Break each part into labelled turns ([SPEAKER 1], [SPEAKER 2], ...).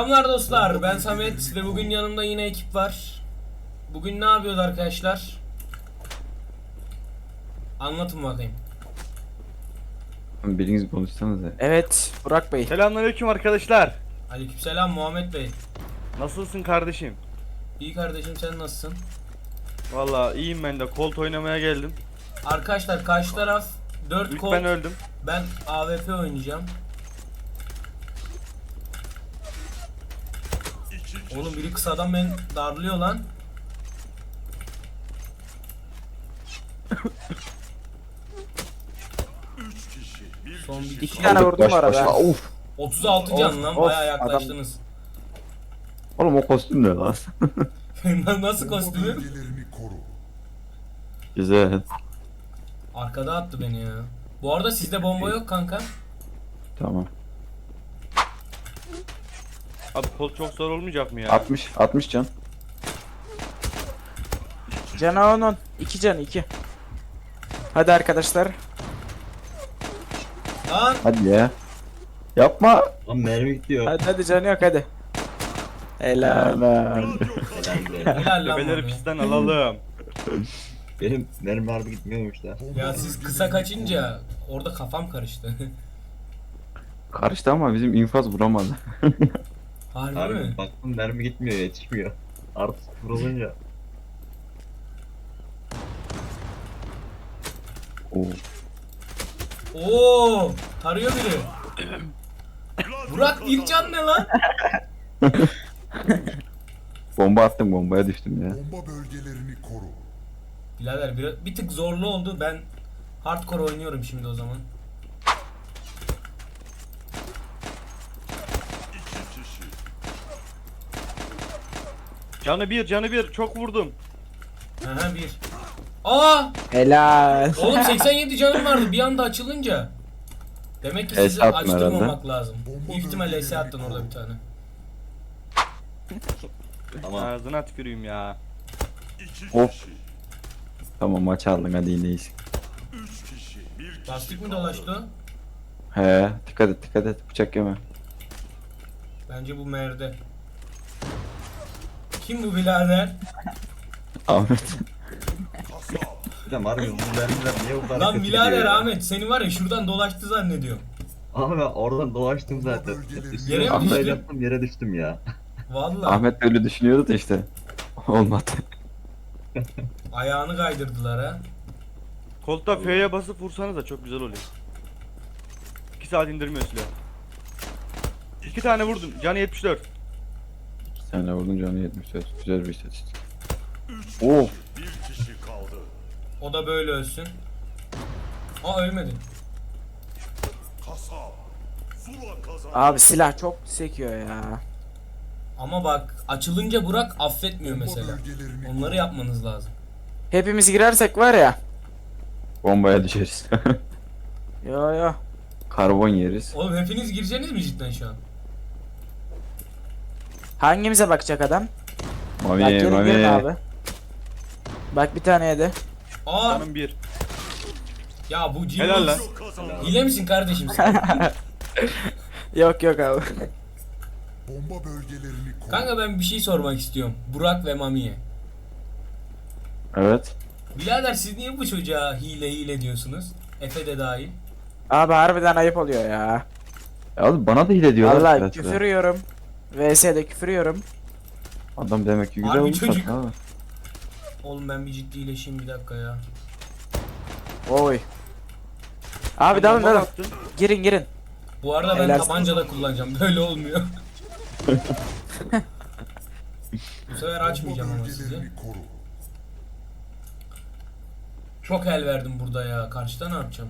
[SPEAKER 1] Selamlar dostlar, ben Samet ve bugün yanımda yine ekip var. Bugün ne yapıyoruz arkadaşlar? Anlatın bakayım.
[SPEAKER 2] Biriniz konuşsanız ya.
[SPEAKER 3] Evet Burak Bey.
[SPEAKER 4] Selamünaleyküm arkadaşlar.
[SPEAKER 1] Aleykümselam Muhammed Bey.
[SPEAKER 4] Nasılsın kardeşim?
[SPEAKER 1] İyi kardeşim, sen nasılsın?
[SPEAKER 4] Vallahi iyiyim ben de. Colt oynamaya geldim.
[SPEAKER 1] Arkadaşlar karşı taraf 4
[SPEAKER 4] İlk
[SPEAKER 1] kol.
[SPEAKER 4] ben öldüm.
[SPEAKER 1] Ben AWP oynayacağım. Oğlum biri kısadan beni darlıyor lan. Son bir
[SPEAKER 3] İki tane vurdum bu arada.
[SPEAKER 2] Of.
[SPEAKER 1] 36 can lan,
[SPEAKER 3] Of,
[SPEAKER 1] bayağı yaklaştınız.
[SPEAKER 2] Oğlum o kostüm ne lan?
[SPEAKER 1] Nasıl kostümü?
[SPEAKER 2] Güzel.
[SPEAKER 1] Arkada attı beni ya. Bu arada sizde bomba yok kanka.
[SPEAKER 2] Tamam.
[SPEAKER 4] Abi Colt çok zor olmayacak mı ya?
[SPEAKER 2] 60 can.
[SPEAKER 3] Canı 10. 2 can 2. Hadi arkadaşlar.
[SPEAKER 1] Lan
[SPEAKER 2] Hadi ya. Yapma.
[SPEAKER 5] Lan mermi gidiyor.
[SPEAKER 3] Hadi canı yok hadi. Helal.
[SPEAKER 2] Helal.
[SPEAKER 1] helal lan
[SPEAKER 4] Bebeleri
[SPEAKER 1] bana.
[SPEAKER 4] pistten alalım.
[SPEAKER 5] Benim mermi harbi gitmiyormuş da.
[SPEAKER 1] Ya siz kısa kaçınca orada kafam karıştı.
[SPEAKER 2] Karıştı ama bizim infaz vuramadı.
[SPEAKER 1] Harbi mi?
[SPEAKER 5] Harbi baktım mermi gitmiyor, yetişmiyor. Artık vurulunca.
[SPEAKER 2] Oo.
[SPEAKER 1] Oo, tarıyor biri. Burak bir can ne lan?
[SPEAKER 2] Bomba attım, bombaya düştüm ya.
[SPEAKER 6] Bomba bölgelerini koru.
[SPEAKER 1] Birader bir tık zorlu oldu. Ben hardcore oynuyorum şimdi o zaman.
[SPEAKER 4] Canı bir çok vurdum.
[SPEAKER 1] Aha bir. Aa!
[SPEAKER 3] Helal.
[SPEAKER 1] Oğlum 87 canım vardı bir anda açılınca. Demek ki sizi
[SPEAKER 2] Ese attın
[SPEAKER 1] açtırmamak lazım. Büyük ihtimalle ese attın orada bir tane.
[SPEAKER 5] Ama
[SPEAKER 4] Ağzına tüküreyim ya.
[SPEAKER 2] Of. Tamam, maç aldın, hadi iyiyiz.
[SPEAKER 1] Lastik mi dolaştı o?
[SPEAKER 2] He, dikkat et, bıçak yeme.
[SPEAKER 1] Bence bu merde. Kim bu birader?
[SPEAKER 2] Ahmet.
[SPEAKER 5] bir de harbi bu mermiler niye bu kadar
[SPEAKER 1] Lan
[SPEAKER 5] kötü
[SPEAKER 1] birader
[SPEAKER 5] gidiyor ya?
[SPEAKER 1] Ahmet seni var ya şuradan dolaştı zannediyorum.
[SPEAKER 5] Abi ben oradan dolaştım zaten.
[SPEAKER 1] Yere mi
[SPEAKER 5] Atlayı
[SPEAKER 1] düştün?
[SPEAKER 5] yaptım, yere düştüm ya.
[SPEAKER 1] Vallahi
[SPEAKER 2] Ahmet de öyle düşünüyordu da işte. Olmadı.
[SPEAKER 1] ayağını kaydırdılar ha.
[SPEAKER 4] Colt'ta F'ye basıp vursanız da çok güzel oluyor. 2 saat indirmiyor silah. 2 tane vurdum. Canı 74.
[SPEAKER 2] 2 tane vurdun, canı 74. Güzel bir istatistik. Oo.
[SPEAKER 1] O da böyle ölsün. Aa ölmedi.
[SPEAKER 3] Abi silah çok sekiyor ya.
[SPEAKER 1] Ama bak açılınca Burak affetmiyor mesela. Onları yapmanız lazım.
[SPEAKER 3] Hepimiz girersek var ya.
[SPEAKER 2] Bombaya düşeriz.
[SPEAKER 3] Yo.
[SPEAKER 2] Karbon yeriz.
[SPEAKER 1] Oğlum hepiniz gireceksiniz mi cidden şu an?
[SPEAKER 3] Hangimize bakacak adam? Bak
[SPEAKER 2] Mami,
[SPEAKER 3] gelin girin
[SPEAKER 2] mami.
[SPEAKER 3] abi. Bak bir tane yedi.
[SPEAKER 1] Aa
[SPEAKER 4] Canım 1.
[SPEAKER 1] ya bu
[SPEAKER 4] Helal lan.
[SPEAKER 1] Jirox. Hile misin kardeşim sen?
[SPEAKER 3] Yok abi.
[SPEAKER 6] Bomba bölgelerini koru.
[SPEAKER 1] Kanka ben bir şey sormak istiyorum. Burak ve Mami'ye.
[SPEAKER 2] Evet.
[SPEAKER 1] Birader siz niye bu çocuğa hile diyorsunuz? Efe de dahil.
[SPEAKER 3] Abi harbiden ayıp oluyor ya.
[SPEAKER 2] Ya oğlum bana da hile diyorlar.
[SPEAKER 3] Vallahi
[SPEAKER 2] biraz
[SPEAKER 3] küfür
[SPEAKER 2] da.
[SPEAKER 3] yiyorum. VS'de küfür yiyorum.
[SPEAKER 2] Adam demek ki güzel
[SPEAKER 1] Harbi
[SPEAKER 2] olmuş
[SPEAKER 1] çocuk.
[SPEAKER 2] abi.
[SPEAKER 1] Oğlum ben bir ciddileşeyim bir dakika ya.
[SPEAKER 3] Oy. Abi dalın. Girin.
[SPEAKER 1] Bu arada ben
[SPEAKER 3] Helal
[SPEAKER 1] tabanca da kullanacağım. Böyle olmuyor. Bu sefer açmayacağım ama sizi.
[SPEAKER 6] Bölgelerini koru.
[SPEAKER 1] Çok el verdim burada ya. Karşıda ne yapacağım?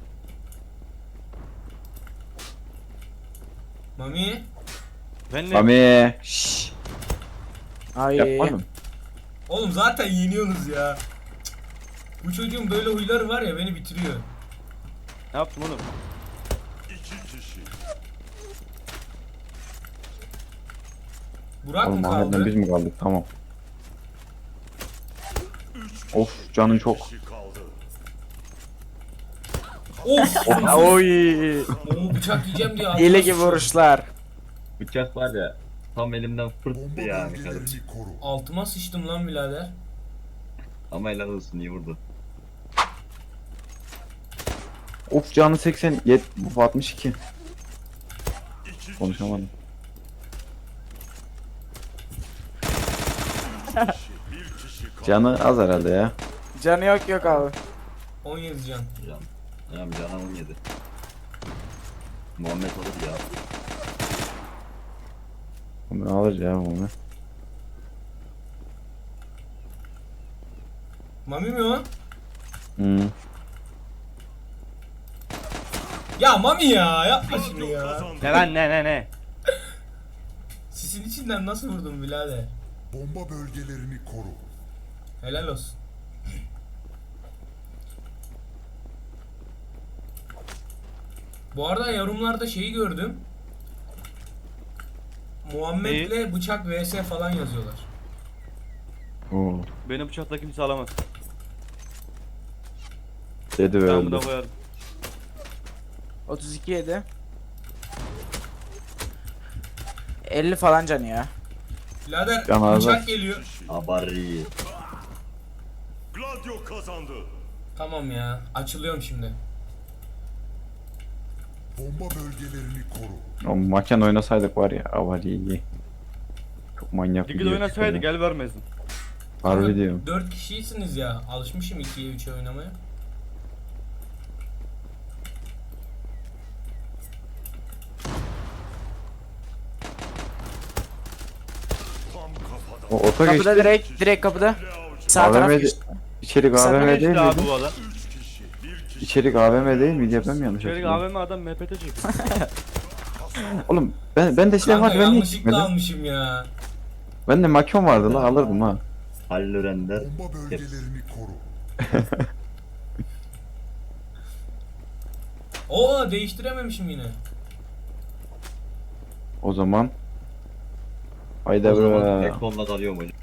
[SPEAKER 1] Mami?
[SPEAKER 4] Ben ne?
[SPEAKER 2] Mami. Şşş.
[SPEAKER 3] Ay.
[SPEAKER 2] Yapmadım.
[SPEAKER 1] Oğlum zaten yeniyorsunuz ya. Cık. Bu çocuğun böyle huyları var ya beni bitiriyor.
[SPEAKER 4] Ne yaptım oğlum?
[SPEAKER 1] Burak
[SPEAKER 2] Oğlum
[SPEAKER 1] mı
[SPEAKER 2] Ahmet'le
[SPEAKER 1] kaldı?
[SPEAKER 2] biz mi kaldık? Tamam. Of, canın çok.
[SPEAKER 1] Of!
[SPEAKER 3] Oy.
[SPEAKER 1] Oo, bıçak yiyeceğim diye.
[SPEAKER 3] Hile gibi vuruşlar.
[SPEAKER 5] Bıçak var ya. Tam elimden fırttı
[SPEAKER 6] Bomba
[SPEAKER 5] yani kardeşim.
[SPEAKER 6] bölgelerini koru.
[SPEAKER 1] Altıma sıçtım lan birader.
[SPEAKER 5] Ama helal olsun iyi vurdu.
[SPEAKER 2] Of canı 80, 62. Konuşamadım. Canı az herhalde ya.
[SPEAKER 3] Canı yok abi.
[SPEAKER 1] 17 can.
[SPEAKER 5] Canım 17. Muhammed alır ya.
[SPEAKER 2] Onu alır ya onu.
[SPEAKER 1] Mami mi o?
[SPEAKER 2] Hmm.
[SPEAKER 1] Ya Mami ya yapma şimdi ya.
[SPEAKER 4] Ne lan ne.
[SPEAKER 1] Sisin içinden nasıl vurdun birader?
[SPEAKER 6] Bomba bölgelerini koru.
[SPEAKER 1] Helal olsun. Bu arada yorumlarda şeyi gördüm. Muhammed'le bıçak vs falan yazıyorlar.
[SPEAKER 2] Oo.
[SPEAKER 4] Beni bıçakla kimse alamaz.
[SPEAKER 2] Dedi ve
[SPEAKER 4] Ben bunu
[SPEAKER 2] öldü.
[SPEAKER 4] koyarım.
[SPEAKER 3] 32 yedi. 50 falan canı ya.
[SPEAKER 1] Birader
[SPEAKER 2] Can ağzı.
[SPEAKER 1] bıçak geliyor.
[SPEAKER 5] Abari.
[SPEAKER 6] Gladio kazandı.
[SPEAKER 1] Tamam ya açılıyorum şimdi.
[SPEAKER 6] Bomba bölgelerini koru.
[SPEAKER 2] O maken oynasaydık var ya avariyi. Çok manyak
[SPEAKER 4] Ligde
[SPEAKER 2] video
[SPEAKER 4] oynasaydı
[SPEAKER 2] çıkıyor.
[SPEAKER 4] gel vermezdin.
[SPEAKER 2] Harbi diyorum.
[SPEAKER 1] 4 kişiysiniz ya. Alışmışım 2'ye 3'e oynamaya.
[SPEAKER 6] Tam kafada.
[SPEAKER 2] O oto
[SPEAKER 3] Kapıda
[SPEAKER 2] geçti.
[SPEAKER 3] direkt kapıda. Sağ taraf
[SPEAKER 2] AVM
[SPEAKER 3] geçti.
[SPEAKER 2] İçerik
[SPEAKER 3] Sen
[SPEAKER 2] AVM
[SPEAKER 4] Ne
[SPEAKER 2] değil
[SPEAKER 4] işte abi
[SPEAKER 2] miydi?
[SPEAKER 4] bu adam?
[SPEAKER 2] İçerik AVM değil miydi? Ben mi yanlış
[SPEAKER 4] Çelik
[SPEAKER 2] hatırlıyorum?
[SPEAKER 4] AVM adam MPT çekiyor.
[SPEAKER 2] Oğlum ben de silah
[SPEAKER 1] Kanka
[SPEAKER 2] var ben niye
[SPEAKER 1] yanlışlıkla
[SPEAKER 2] çıkmadım?
[SPEAKER 1] almışım ya.
[SPEAKER 2] Ben de makyon vardı la alırdım ha.
[SPEAKER 5] Halil Önder.
[SPEAKER 6] Bomba bölgelerini koru.
[SPEAKER 1] Oo değiştirememişim yine.
[SPEAKER 2] O zaman. Hayda
[SPEAKER 5] O zaman
[SPEAKER 2] bre.
[SPEAKER 5] tek konuda dalıyorum hocam.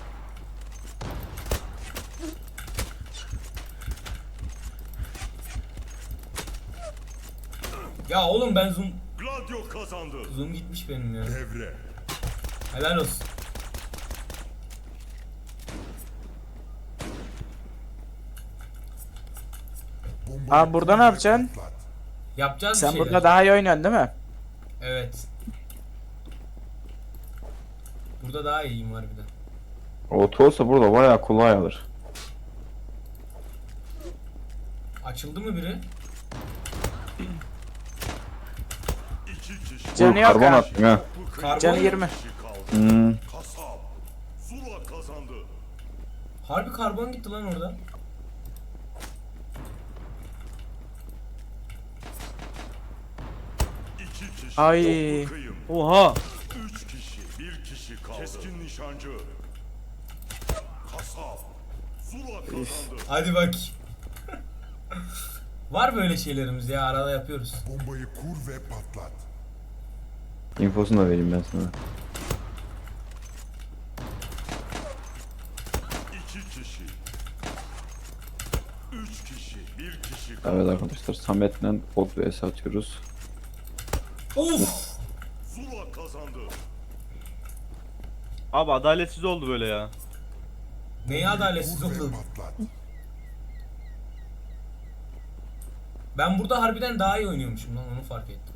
[SPEAKER 1] Ya oğlum ben
[SPEAKER 6] Gladio kazandı.
[SPEAKER 1] zoom gitmiş benim ya.
[SPEAKER 6] Devre.
[SPEAKER 1] Helal olsun.
[SPEAKER 6] Bombayı
[SPEAKER 3] Abi burada
[SPEAKER 6] kur
[SPEAKER 3] ne
[SPEAKER 6] ve
[SPEAKER 3] yapacaksın?
[SPEAKER 6] patlat.
[SPEAKER 1] Yapacağız bir
[SPEAKER 3] Sen
[SPEAKER 1] şeyler.
[SPEAKER 3] burada daha iyi oynuyorsun değil mi?
[SPEAKER 1] Evet. Burada daha iyiyim harbiden.
[SPEAKER 2] Oto olsa burada bayağı kolay alır.
[SPEAKER 1] Açıldı mı biri?
[SPEAKER 3] Canı yok
[SPEAKER 2] Karbon
[SPEAKER 3] ha.
[SPEAKER 2] attım ha.
[SPEAKER 1] Karbon.
[SPEAKER 3] Canı 20.
[SPEAKER 2] Hmm.
[SPEAKER 6] Kasap. Zula kazandı.
[SPEAKER 1] Harbi karbon gitti lan orada.
[SPEAKER 6] İki kişi.
[SPEAKER 3] Ay.
[SPEAKER 6] Toplu kıyım.
[SPEAKER 4] Oha.
[SPEAKER 6] 3 kişi. 1 kişi kaldı. Keskin nişancı. Kasap. Zula kazandı.
[SPEAKER 1] Hadi bak. Var böyle şeylerimiz ya arada yapıyoruz.
[SPEAKER 6] Bombayı kur ve patlat.
[SPEAKER 2] İnfosunu da vereyim ben sana.
[SPEAKER 6] 2 kişi. 3 kişi. 1 kişi kaldı.
[SPEAKER 2] Evet arkadaşlar Samet'le bot vs atıyoruz.
[SPEAKER 1] Of!
[SPEAKER 6] Zula kazandı.
[SPEAKER 4] Abi adaletsiz oldu böyle ya.
[SPEAKER 1] Neyi adaletsiz
[SPEAKER 6] Kur ve
[SPEAKER 1] oldum.
[SPEAKER 6] patlat.
[SPEAKER 1] Ben burada harbiden daha iyi oynuyormuşum lan onu fark ettim.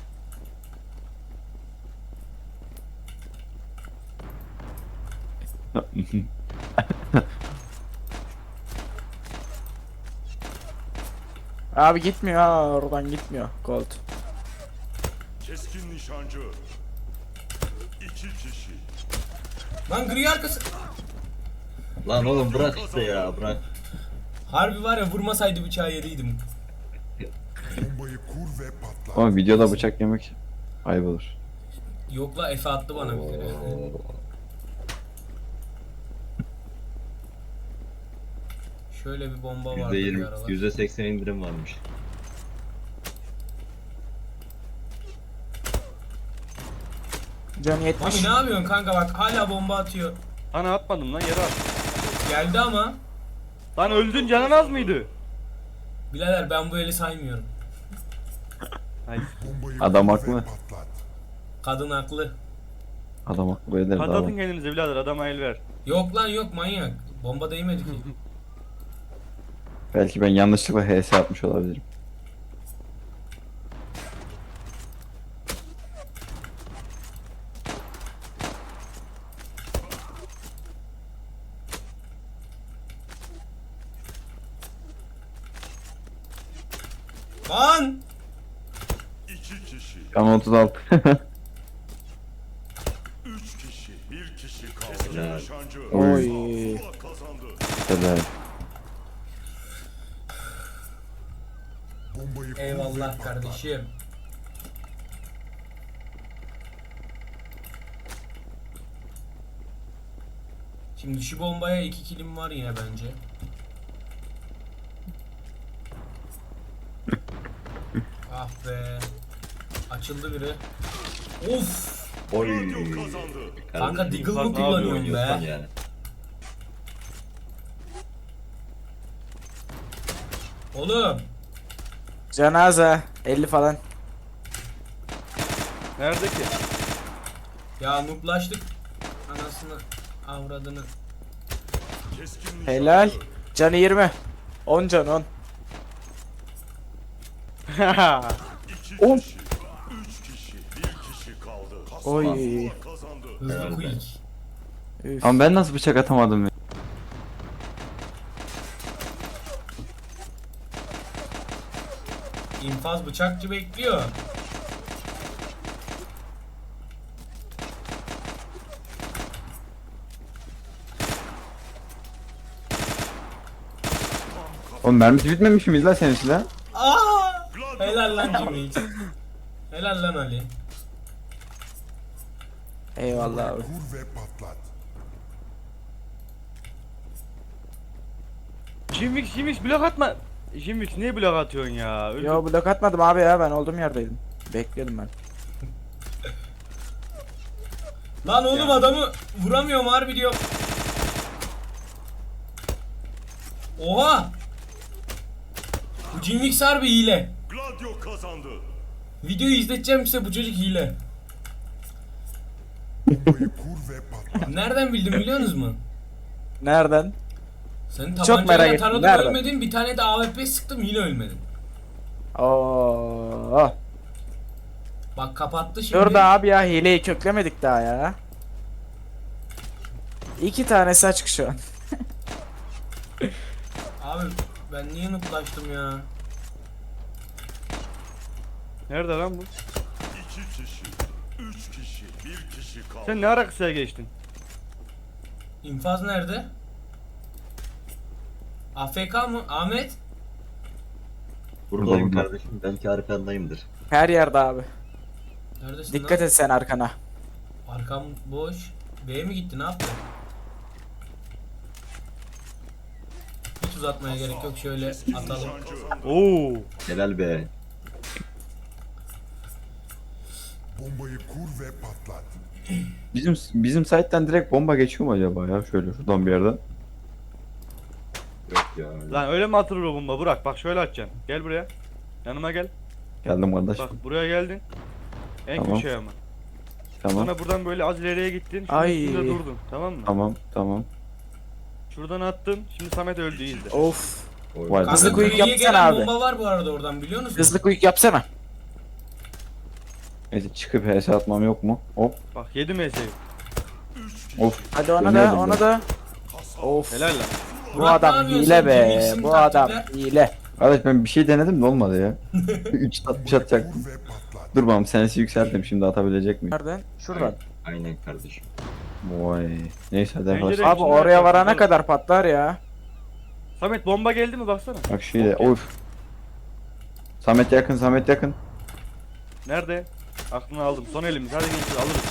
[SPEAKER 3] Abi gitmiyor ha oradan gitmiyor. Gold.
[SPEAKER 6] Keskin nişancı. 2 kişi.
[SPEAKER 1] Lan gri arkası.
[SPEAKER 5] Lan oğlum bırak işte ya bırak.
[SPEAKER 1] Harbi var ya vurmasaydı bıçağı yeriydim.
[SPEAKER 6] Bombayı kur ve patlat.
[SPEAKER 2] Ama videoda bıçak yemek ayıp olur.
[SPEAKER 1] Yok la Efe attı bana bir kere. Şöyle bir bomba vardı bir
[SPEAKER 5] %20,
[SPEAKER 1] aralar.
[SPEAKER 5] %80 indirim varmış.
[SPEAKER 3] Canı
[SPEAKER 1] Mami
[SPEAKER 3] 70.
[SPEAKER 1] ne yapıyorsun kanka bak hala bomba atıyor.
[SPEAKER 4] Ana atmadım lan yere at.
[SPEAKER 1] Geldi ama.
[SPEAKER 4] Lan öldün canın az mıydı?
[SPEAKER 1] Birader ben bu eli saymıyorum.
[SPEAKER 4] Hayır.
[SPEAKER 6] Bombayı
[SPEAKER 2] Adam
[SPEAKER 6] kur
[SPEAKER 2] haklı.
[SPEAKER 6] ve patlat.
[SPEAKER 1] Kadın haklı.
[SPEAKER 2] Adam aklı eder daha.
[SPEAKER 4] Patlatın kendinize birader, adama el ver.
[SPEAKER 1] Yok lan yok manyak. Bomba değmedi ki.
[SPEAKER 2] Belki ben yanlışlıkla HS atmış olabilirim.
[SPEAKER 1] Lan!
[SPEAKER 6] 2 kişi,
[SPEAKER 2] Can 36.
[SPEAKER 6] 3 kişi, 1 kişi kaldı.
[SPEAKER 5] Helal.
[SPEAKER 6] Keskin nişancı.
[SPEAKER 3] Oy.
[SPEAKER 6] Zula kazandı.
[SPEAKER 2] Helal.
[SPEAKER 6] Bombayı
[SPEAKER 1] Eyvallah kardeşim. Şimdi şu bombaya 2 kilim var yine bence. Ah be. Açıldı biri. Of!
[SPEAKER 5] Oy.
[SPEAKER 6] Radyo kazandı.
[SPEAKER 1] Kanka Deagle
[SPEAKER 4] bak
[SPEAKER 1] mı
[SPEAKER 4] ne
[SPEAKER 1] kullanıyorsun
[SPEAKER 5] Oynuyorsan
[SPEAKER 1] be?
[SPEAKER 5] yani.
[SPEAKER 1] Oğlum!
[SPEAKER 3] Cenaze 50 falan.
[SPEAKER 4] Nerede ki?
[SPEAKER 1] Ya nuplaştık. Anasını avradını.
[SPEAKER 6] Keskin nişancı.
[SPEAKER 3] Helal. Canı 20. 10 can 10.
[SPEAKER 6] 2
[SPEAKER 3] On.
[SPEAKER 6] kişi, 3 kişi, 1 kişi kaldı.
[SPEAKER 3] Oy.
[SPEAKER 6] Zula kazandı.
[SPEAKER 1] Hızlı
[SPEAKER 5] Herhalde.
[SPEAKER 1] quick.
[SPEAKER 3] Üf.
[SPEAKER 2] Ama ben nasıl bıçak atamadım ya?
[SPEAKER 1] İnfaz bıçakçı bekliyor.
[SPEAKER 2] Oğlum mermisi bitmemiş miyiz lan senin silah?
[SPEAKER 1] Aa! Helal lan Jimmy. Helal lan Ali.
[SPEAKER 3] Eyvallah abi.
[SPEAKER 6] Vur ve patlat.
[SPEAKER 4] Jimix blok atma. Jimix niye blok atıyorsun ya? Öldüm.
[SPEAKER 3] Yo blok atmadım abi ya, ben olduğum yerdeydim. Bekliyordum ben.
[SPEAKER 1] Lan oğlum adamı vuramıyorum harbi diyorum. Oha! Bu Jimmy harbi hile.
[SPEAKER 6] Gladio kazandı.
[SPEAKER 1] Videoyu izleteceğim size, bu çocuk hile.
[SPEAKER 6] Bombayı kur ve patlat.
[SPEAKER 1] Nereden bildin biliyor musunuz mu?
[SPEAKER 3] Nereden?
[SPEAKER 1] Senin
[SPEAKER 3] Çok
[SPEAKER 1] tabancayla
[SPEAKER 3] merak ettim,
[SPEAKER 1] taradım
[SPEAKER 3] nereden?
[SPEAKER 1] ölmedin, bir tane de AWP sıktım yine ölmedin.
[SPEAKER 3] Oo.
[SPEAKER 1] Bak kapattı şimdi.
[SPEAKER 3] Dur be abi ya, hileyi köklemedik daha ya. 2 tanesi açık şu an.
[SPEAKER 1] Abi ben niye nuplaştım ya?
[SPEAKER 4] Nerede lan bu?
[SPEAKER 6] 2 kişi, 3 kişi, 1 kişi kaldı.
[SPEAKER 4] Sen ne ara kısaya geçtin?
[SPEAKER 1] İnfaz nerede? AFK mı? Ahmet?
[SPEAKER 5] Buradayım
[SPEAKER 2] Burada.
[SPEAKER 5] kardeşim. Belki arkandayımdır.
[SPEAKER 3] Her yerde abi.
[SPEAKER 1] Neredesin
[SPEAKER 3] Dikkat
[SPEAKER 1] lan?
[SPEAKER 3] et sen arkana.
[SPEAKER 1] Arkam boş. B'ye mi gitti, ne yaptı? Hiç uzatmaya gerek yok, şöyle atalım.
[SPEAKER 6] Nişancı.
[SPEAKER 4] Oo.
[SPEAKER 5] Helal be.
[SPEAKER 6] Bombayı kur ve patlat.
[SPEAKER 2] Bizim site'den direkt bomba geçiyor mu acaba ya? Şöyle şuradan bir yerden.
[SPEAKER 5] Yok ya.
[SPEAKER 4] Lan öyle mi atılır o bomba? Burak bak şöyle atacaksın. Gel buraya. Yanıma gel.
[SPEAKER 2] Geldim kardeş.
[SPEAKER 4] Bak buraya geldin. En
[SPEAKER 2] Tamam.
[SPEAKER 4] köşeye ama.
[SPEAKER 2] Tamam.
[SPEAKER 4] Sonra buradan böyle az ileriye gittin. Şunun
[SPEAKER 3] Ay.
[SPEAKER 4] üstünde durdun. Tamam mı?
[SPEAKER 2] Tamam. Tamam.
[SPEAKER 4] Şuradan attın. Şimdi Samet öldü izle.
[SPEAKER 3] Of.
[SPEAKER 5] Oy.
[SPEAKER 2] Vay.
[SPEAKER 1] Kanka
[SPEAKER 3] Hızlı quick
[SPEAKER 1] Kuri'ye
[SPEAKER 3] yapsana
[SPEAKER 1] gelen
[SPEAKER 3] abi.
[SPEAKER 1] bomba var bu arada oradan, biliyor musun?
[SPEAKER 3] Hızlı quick yapsana.
[SPEAKER 2] Neyse çıkıp HS atmam yok mu? Hop.
[SPEAKER 4] Bak yedim ES'yi.
[SPEAKER 2] Of.
[SPEAKER 3] Hadi ona da,
[SPEAKER 2] Dönüyordum
[SPEAKER 3] ona
[SPEAKER 2] ben.
[SPEAKER 3] da. Of.
[SPEAKER 4] Helal lan.
[SPEAKER 3] Bu
[SPEAKER 1] Burak, ne
[SPEAKER 3] adam
[SPEAKER 1] yapıyorsun?
[SPEAKER 3] hile be.
[SPEAKER 1] Jimix'in
[SPEAKER 3] Bu adam
[SPEAKER 1] taktikler.
[SPEAKER 3] hile.
[SPEAKER 2] Kardeş ben bir şey denedim de olmadı ya. 3 60 atacaktım.
[SPEAKER 6] Kur ve patlat.
[SPEAKER 2] Dur bakalım senesi yükselttim, şimdi atabilecek miyim?
[SPEAKER 3] Nereden? Şuradan.
[SPEAKER 5] Aynen kardeşim.
[SPEAKER 2] Vay. Neyse hadi
[SPEAKER 4] Pencere-
[SPEAKER 2] arkadaşlar.
[SPEAKER 3] Abi
[SPEAKER 4] içinde
[SPEAKER 3] oraya
[SPEAKER 4] yapalım.
[SPEAKER 3] varana kadar patlar ya.
[SPEAKER 4] Samet bomba geldi mi baksana.
[SPEAKER 2] Bak şöyle of. Samet yakın, Samet yakın.
[SPEAKER 4] Nerede? Aklını aldım. Son elimiz. Hadi gençler alırız.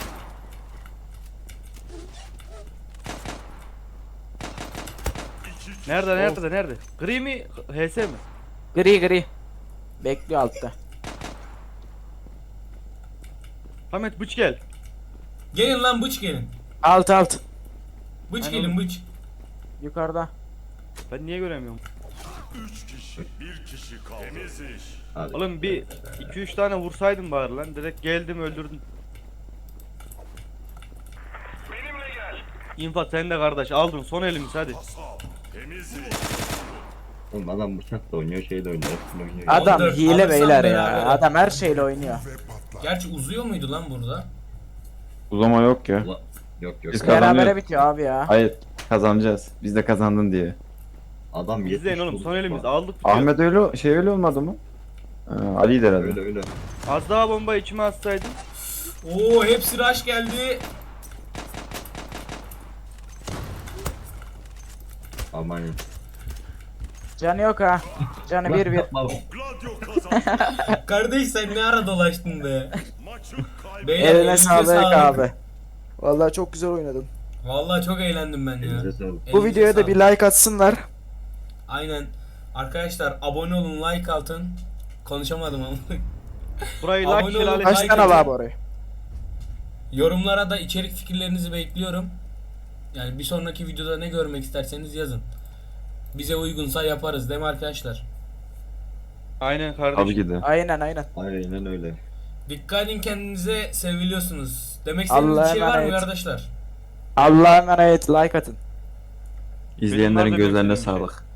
[SPEAKER 4] Nerede? Gri mi? HS mi?
[SPEAKER 3] Gri gri. Bekliyor altta.
[SPEAKER 4] Samet bıç gel.
[SPEAKER 1] Gelin lan bıç gelin.
[SPEAKER 3] Alt alt.
[SPEAKER 1] Bıç
[SPEAKER 4] Aynen.
[SPEAKER 1] gelin bıç.
[SPEAKER 3] Yukarıda.
[SPEAKER 4] Ben niye göremiyorum?
[SPEAKER 6] 3 kişi, 1 kişi kaldı. Temiz iş.
[SPEAKER 5] Hadi.
[SPEAKER 4] Oğlum bir 2-3 tane vursaydım bari lan. Direkt geldim öldürdüm. İnfat sen de kardeş aldın son elimiz hadi.
[SPEAKER 6] Temizlik.
[SPEAKER 5] Oğlum adam bıçak da oynuyor, şey de oynuyor, hepsini oynuyor.
[SPEAKER 3] Adam
[SPEAKER 1] Ondur,
[SPEAKER 3] hile
[SPEAKER 1] alırsam
[SPEAKER 3] beyler
[SPEAKER 1] beraber
[SPEAKER 3] ya.
[SPEAKER 1] al.
[SPEAKER 3] Adam her şeyle oynuyor.
[SPEAKER 1] Gerçi uzuyor muydu lan burada?
[SPEAKER 2] Uzama yok ya.
[SPEAKER 5] Ulan, yok yok.
[SPEAKER 2] Biz
[SPEAKER 3] Berabere
[SPEAKER 2] kazanıyoruz.
[SPEAKER 3] bitiyor abi ya.
[SPEAKER 2] Hayır kazanacağız. Biz de kazandın diye.
[SPEAKER 5] Adam 70
[SPEAKER 4] İzleyin oğlum
[SPEAKER 5] vurdu.
[SPEAKER 4] son elimiz aldık. bitiyor.
[SPEAKER 2] Ahmet öyle olmadı mı? Ali'ydi herhalde.
[SPEAKER 5] Öyle öyle.
[SPEAKER 4] Az daha bomba içime atsaydın.
[SPEAKER 1] Oo hepsi rush geldi.
[SPEAKER 5] Aman ya.
[SPEAKER 3] Canı yok ha. Canı 1-1.
[SPEAKER 5] Yapma bak.
[SPEAKER 6] Gladio kazandı.
[SPEAKER 1] Kardeş sen ne ara dolaştın be?
[SPEAKER 6] Maçı kaybettik.
[SPEAKER 1] Beyler,
[SPEAKER 3] Eline
[SPEAKER 1] elinize
[SPEAKER 3] sağlık
[SPEAKER 1] sağlık.
[SPEAKER 3] abi. Vallahi çok güzel oynadın.
[SPEAKER 1] Vallahi çok eğlendim ben ya.
[SPEAKER 5] Elinize sağlık.
[SPEAKER 3] Bu
[SPEAKER 1] Elinize
[SPEAKER 3] videoya da
[SPEAKER 1] sağlık.
[SPEAKER 3] bir like atsınlar.
[SPEAKER 1] Aynen. Arkadaşlar abone olun, like atın. Konuşamadım ama.
[SPEAKER 4] Burayı
[SPEAKER 1] Abone
[SPEAKER 4] like
[SPEAKER 1] olun.
[SPEAKER 4] şelale.
[SPEAKER 3] Kaç
[SPEAKER 1] like
[SPEAKER 3] tane
[SPEAKER 1] atın.
[SPEAKER 3] var abi orayı?
[SPEAKER 1] Yorumlara da içerik fikirlerinizi bekliyorum. Yani bir sonraki videoda ne görmek isterseniz yazın. Bize uygunsa yaparız değil mi arkadaşlar?
[SPEAKER 4] Aynen kardeşim.
[SPEAKER 2] Tabii ki de.
[SPEAKER 3] Aynen aynen.
[SPEAKER 5] Aynen öyle.
[SPEAKER 1] Dikkat edin kendinize, seviliyorsunuz. Demek istediğiniz bir
[SPEAKER 3] Allah'a
[SPEAKER 1] şey var mı
[SPEAKER 3] emanet.
[SPEAKER 1] arkadaşlar?
[SPEAKER 3] Allah'a emanet like atın.
[SPEAKER 2] İzleyenlerin
[SPEAKER 4] Benim
[SPEAKER 2] gözlerine
[SPEAKER 4] malzemem
[SPEAKER 2] sağlık.